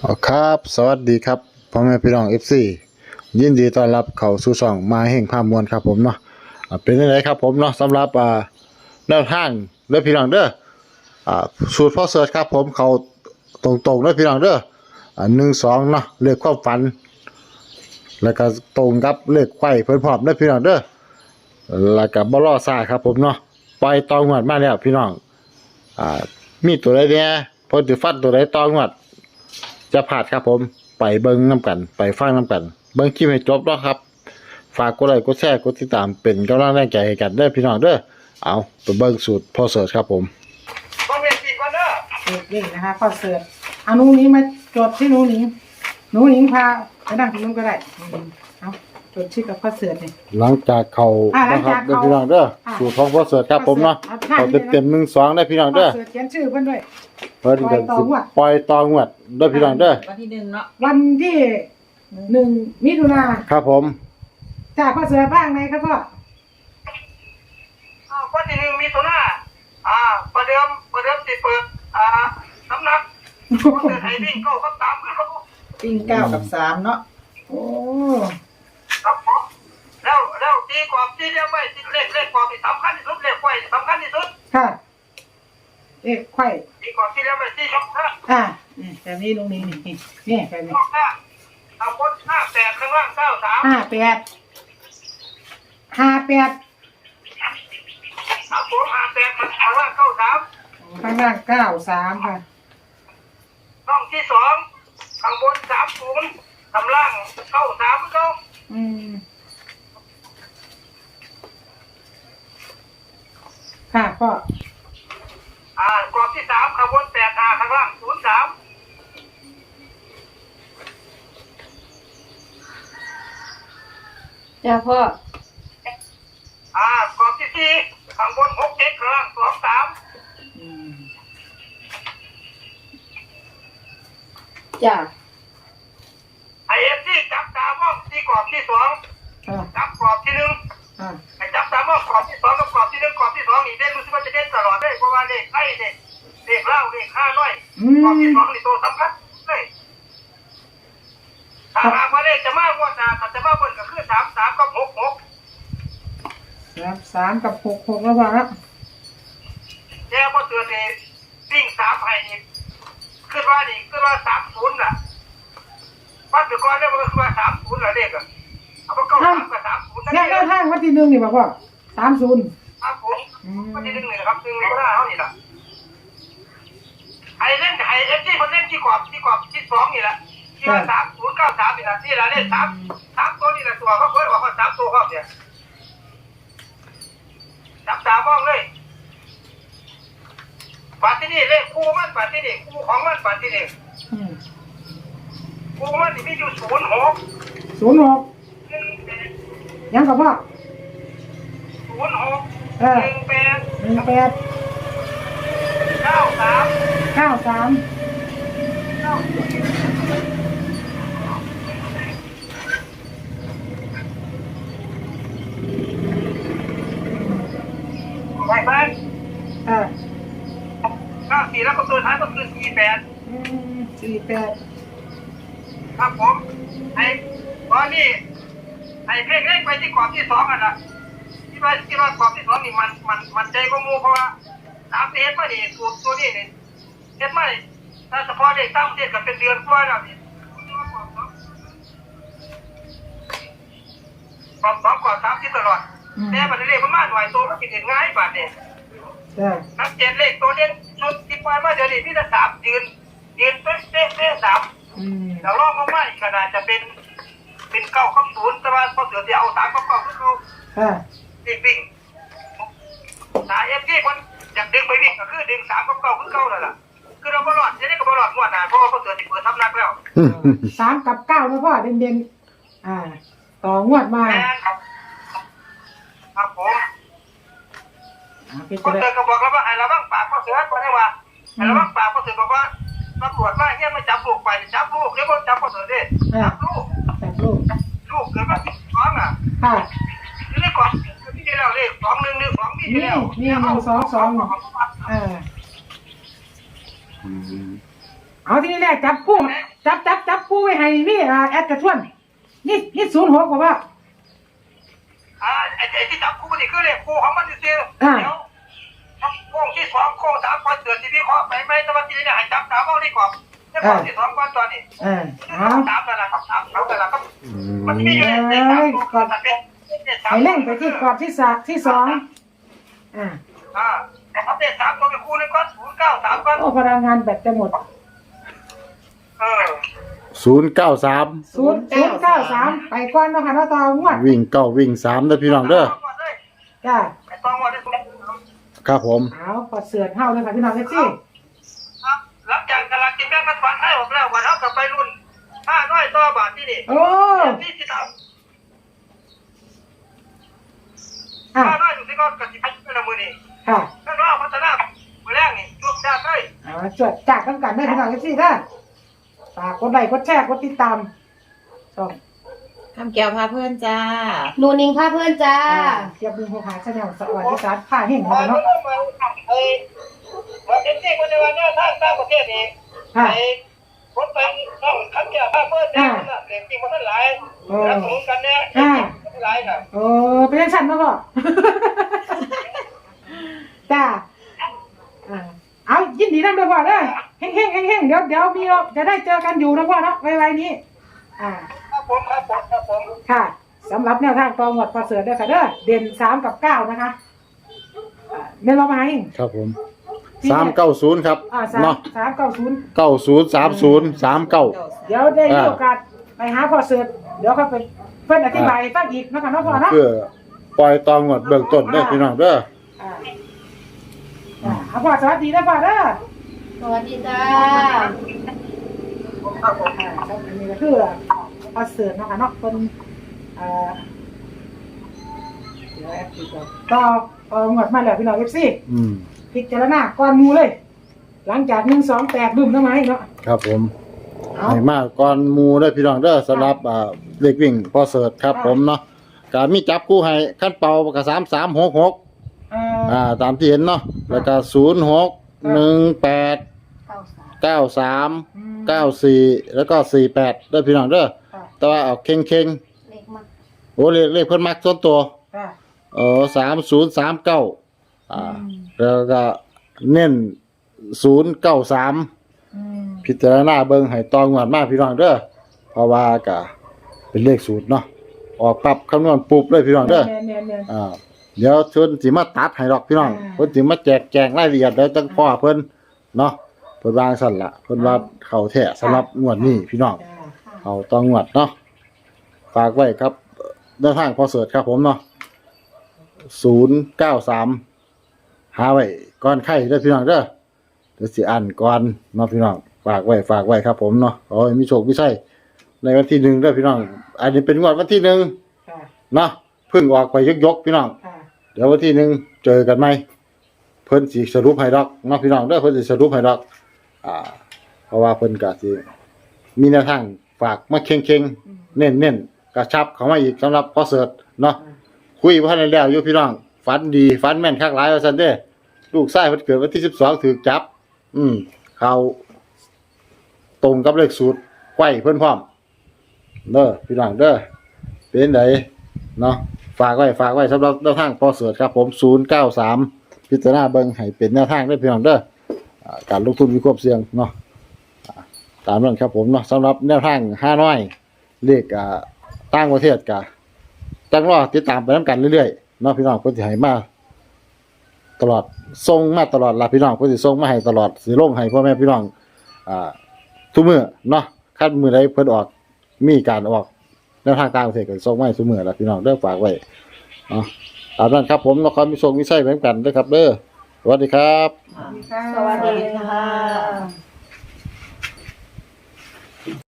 ครับสวัสดีครับพ่อแม่พี่น้อง FC ยินดีต้อนรับเข้าสู่ช่องมาแห่งภาพมวลครับผมเนาะเป็นยังไงครับผมเนาะสำหรับแนวทางเด้อพี่น้องเด้อสูตรพ่อเสิร์ชครับผมเขาตรงๆเด้อพี่น้องเด้อ1 2เนาะเลขความฝันแล้วก็ตรงกับเลขไขว้เพิ่นพร้อมเด้อพี่น้องเด้อแล้วก็บ่รอซ่าครับผมเนาะปล่อยตองวดมาแล้วพี่น้องมีตัวใดแหน่เพิ่นสิฟันตัวใดตองวดจะผ่านครับผมไปเบิ้งน้ำกันไปฟังน้ำกันเบิ้งคลิปให้จบแล้วครับฝากกดไลค์กดแชร์กดติดตามเป็นกำลังแรงใจให้กันได้พี่น้องเด้อเอาไปเบิ้งสูตรพ่อเสิร์ชครับผมต้องเรียนสี่ก่อนเด้อเด็กๆนะคะพ่อเสิร์ชเอาหนูนี้มาจดที่หนูหนิงพาไปนั่งที่นู้นก็ได้เอาจดชื่อกับพ่อเสิร์ชเนี่ยหลังจากเขานะครับเด้อพี่น้องเด้อสูตรของพ่อเสิร์ชครับผมเนาะเขาเต็ม1 2ได้พี่น้องเด้อพ่อเสิร์ชเขียนชื่อเพิ่นด้วยเพิ่นก็ปล่อยตองวดเด้อพี่น้องเด้อวันที่1เนาะวันที่1 มิถุนายนครับผมจากพ่อเสิร์ชบ้างไหนครับพ่อวันที่1 มิถุนายนประเดิมสิเปิดสำนักเปิดให้วิ่งเข้าก็ตามเขาวิ่ง9 กับ 3เนาะโอ้ครับผมแล้วตีกรอบที่เรียกไว้ที่เลขกรอบที่สำคัญที่สุดเลขไว้สำคัญที่สุดค่ะไข่ตีกรอบที่เรียกไว้ที่สำคัญนี่แบบนี้ลุงนี่นี่แบบนี้เอาบน58ข้างล่าง93 58 ครับผม58ข้างล่าง93 ข้างล่าง93ค่ะช่องที่2ข้างบน30ข้างล่าง93ก็ค่ะก็กรอบที่3ข้างบน85ข้างล่าง03 จ้าพ่อกรอบที่4ข้างบน67ข้างล่าง23 จ้าไอ้ที่จับตามองที่กรอบที่2จับกรอบที่1ไอ้จับตามองกรอบที่2กับกรอบที่1กรอบที่2นี่ได้รู้สึกว่าจะเด่นตลอดเลยเพราะว่าเลขไอ้เลขเล่าเลข5น้อยกรอบที่2นี่ตัวสำคัญเลยถ้าหากว่าเลขจะมากกว่าถ้าจะมากกว่าก็คือ33กับ66 3กับ66แล้วว่าครับแต่พอเตือนนี่วิ่ง3ให้นี่คือว่า30น่ะวัดไปก่อนแล้วมันก็คือว่า30ล่ะเลขอ่ะเอาก็3กับ30นั่นแหละทางวันที่1นี่บ่พ่อ30 ครับผมวันที่1นี่นะครับ1ก็ได้เฮานี่ล่ะไอ้เล่นไอ้ที่คนเล่นที่กรอบที่2นี่แหละที่ว่า3093นี่ล่ะนี่ล่ะเลข3ตัวนี่ล่ะตัวเขาเพิ่นบอกว่า3ตัวครับเนี่ยจับตามองเลยปัดที่นี่เลขคู่มันปัดที่นี่คู่ของมันปัดที่นี่คู่มันนี่มีอยู่06 ยังกับพ่อ 06 93 ไป94แล้วก็ตัวท้ายก็คือ48ครับผมไอ้ตอนนี้ไอ้เลขไปที่กรอบที่2อ่ะนะที่ว่ากรอบที่2นี่มันใจก็งูเพราะว่า3เดือนมานี่ตัวนี้นี่เฮ็ดมาถ้าเฉพาะเลข3เดือนก็เป็นเดือนกว่าแล้วนี่กรอบ2กรอบ3ที่ตลอดแต่บัดนี้เลขมันมาหน่อยตัวมันสิเห็นง่ายบาดนี้นักเจ็ดเลขตัวเด่นชุดที่ปล่อยมาเดี๋ยวนี้ที่จะ3ยืนเป๊ะ3แล้วรอบลงมาอีกขนาดจะเป็น9กับ0แต่ว่าพอเสือจะเอา3กับ9คือเขาวิ่งสายที่คนอยากดึงไปวิ่งก็คือดึง3กับ9คือเก่านั่นแหละคือเราบ่รอดจะได้ก็บ่รอดงวดหน้าเพราะว่าพอเสือสิเปิดทับนักแล้ว 3กับ9นะพ่อเด่นต่องวดมาครับผมพอเสือก็บอกแล้วว่าให้ระวังปากพอเสือก็ได้ว่าให้ระวังปากพอเสือบอกว่าตำรวจมาเฮียไม่จับลูกไปจับลูกเดี๋ยวบ่จับพอเสือเด้จับลูกเกิดมา2อ่ะนี่ก่อนที่ได้แล้วเลข2112นี่แล้วนี่122 เอาที่นี่แรกจับคู่จับคู่ไว้ให้นี่แอดกระชวนนี่06บอกว่าไอ้ที่จับคู่นี่คือเลขคู่ของมันซื่อเดี๋ยวโค้งที่2โค้ง3ก่อนเดือนที่พี่ขอไปไหมแต่ว่าที่นี่ให้จับ3เอาดีกว่าแต่ก่อนที่2ก่อนตอนนี้เอา 3นั่นล่ะครับ3เอาแต่ละครับมันมีอยู่ใน3ตัวนั่นเป็นให้เล่งไปที่กรอบที่2 นะครับเลข3ตัวเป็นคู่นึงก่อน093ก่อนโอ้พลังงานแบตจะหมด 093 ไปก่อนเนาะค่ะเนาะต่องวดวิ่งเก้าวิ่ง3เด้อพี่น้องเด้อจ้าไอ้ต้องว่าได้ครับผมเอาปอดเสือเท่าเลยค่ะพี่น้องเอฟซีครับหลังจากตลาดกินแบ่งรัฐบาลให้ออกแล้ววันเท่ากับไปรุ่น500ต่อบาทที่นี่โอ้นี่สิทำ 500อยู่ที่ก้อนกับที่พัฒนามือนี่ค่ะถ้าเราพัฒนามือแรกนี่ช่วงด้านได้จวดจากกันกันได้พี่น้องเอฟซีได้ฝากกดไลค์กดแชร์กดติดตามช่องคำแก้วพาเพื่อนจ้าหนูนิงพาเพื่อนจ้าเทียบดึงหัวหาชาแนลสวัสดีครับผ้าเห็นมาเนาะเอ็นซีคนในวันนี้ทางต่างประเทศนี่ไอ้คนไปต้องขันแก่ผ้าเพื่อนเนี่ยเด็กจริงมันทั้งหลายแล้วสมกันเนี่ยหลายครับโอ้เป็นยังฉันมาก่อจ้าเอายินดีนะเด้อพ่อเด้อเฮงเดี๋ยวมีจะได้เจอกันอยู่นะพ่อเนาะไวๆนี้ครับผมค่ะสำหรับแนวทางต่อหมวดพอเสือเด้อค่ะเด้อเด่น3กับ9นะคะเน้นเรามาให้ครับผม390ครับเนาะ 390 9030 39 เดี๋ยวได้มีโอกาสไปหาพอเสือเดี๋ยวเขาไปเพิ่นอธิบายฟังอีกนะคะเนาะพ่อเนาะเพื่อปล่อยตองหมดเบื้องต้นเด้อพี่น้องเด้อพ่อสวัสดีนะพ่อเด้อสวัสดีจ้าครับผมครับอันนี้ก็คือพอเสือนะคะเนาะคนเดี๋ยวแอปติดต่อหมดมาแล้วพี่น้อง FC พิจารณาก่อนหมู่เลย หลังจาก128บึ้มทำไมเนาะครับผมให้มากก่อนหมู่เด้อพี่น้องเด้อสำหรับเลขวิ่งพอเสิร์ชครับผมเนาะก็มีจับคู่ให้ขั้นเป่าก็3366ตามที่เห็นเนาะแล้วก็0618 93 94แล้วก็48เด้อพี่น้องเด้อแต่ว่าเอาเข่งเล็กมากๆโอ้เลขเพิ่นมักส่วนตัว3039แล้วก็เน้น093พิจารณาเบิ่งให้ตองวดมาพี่น้องเด้อเพราะว่าก็เป็นเลขสูตรเนาะออกปรับคำนวณปุ๊บเลยพี่น้องเด้อเดี๋ยวเพิ่นสิมาตัดให้ดอกพี่น้องเพิ่นสิมาแจกแจงรายละเอียดแล้วจังพ่อเพิ่นเนาะเพิ่นวางสั่นล่ะเพิ่นว่าเข้าแท้สำหรับงวดนี้พี่น้องเอาตองวดเนาะฝากไว้ครับเดินทางพอเสิร์ชครับผมเนาะ093หาไว้ก่อนไข่เด้อพี่น้องเด้อเดี๋ยวสิอ่านก่อนเนาะพี่น้องฝากไว้ครับผมเนาะขอให้มีโชคมีชัยในวันที่1เด้อพี่น้องอันนี้เป็นงวดวันที่1เนาะเพิ่งออกไปยกพี่น้องเดี๋ยววันที่1เจอกันใหม่เพิ่นสิสรุปให้ดอกเนาะพี่น้องเด้อเพิ่นสิสรุปให้ดอกเพราะว่าเพิ่นก็สิมีแนวทางฝากมาเค็งๆเน้นๆกระชับเข้ามาอีกสำหรับพอเสิร์ชเนาะคุยบ่ทันได้แล้วอยู่พี่น้องฝันดีฝันแม่นคักหลายว่าซั่นเด้ลูกชายเพิ่นเกิดวันที่12ถูกจับเขาตรงกับเลขสูตรไขว้เพิ่นพร้อมเด้อพี่น้องเด้อเป็นไดเนาะฝากไว้สำหรับแนวทางพอเสิร์ชครับผม093พิจารณาเบิ่งให้เป็นแนวทางเด้อพี่น้องเด้อการลงทุนมีความเสี่ยงเนาะตามนั้นครับผมเนาะสำหรับแนวทาง5น้อยเลขต่างประเทศก็จังรอติดตามไปนํกันเรื่อยๆเนาะพี่น้องเพิ่นสิให้มาตลอดส่งมาตลอดล่ะพี่น้องเพิ่นสิส่งมาให้ตลอดสิลงให้พ่อแม่พี่น้องทุกมื้อเนาะคันมื้อใดเพิ่นออกมีการออกแนวทางต่างประเทศก็ส่งมาให้ทุกมื้อล่ะพี่น้องเด้อฝากไว้เนาะตามนั้นครับผมนครมีโชคมีชัยเหมือนกันเด้อครับเด้อสวัสดีครับสวัสดีค่ะ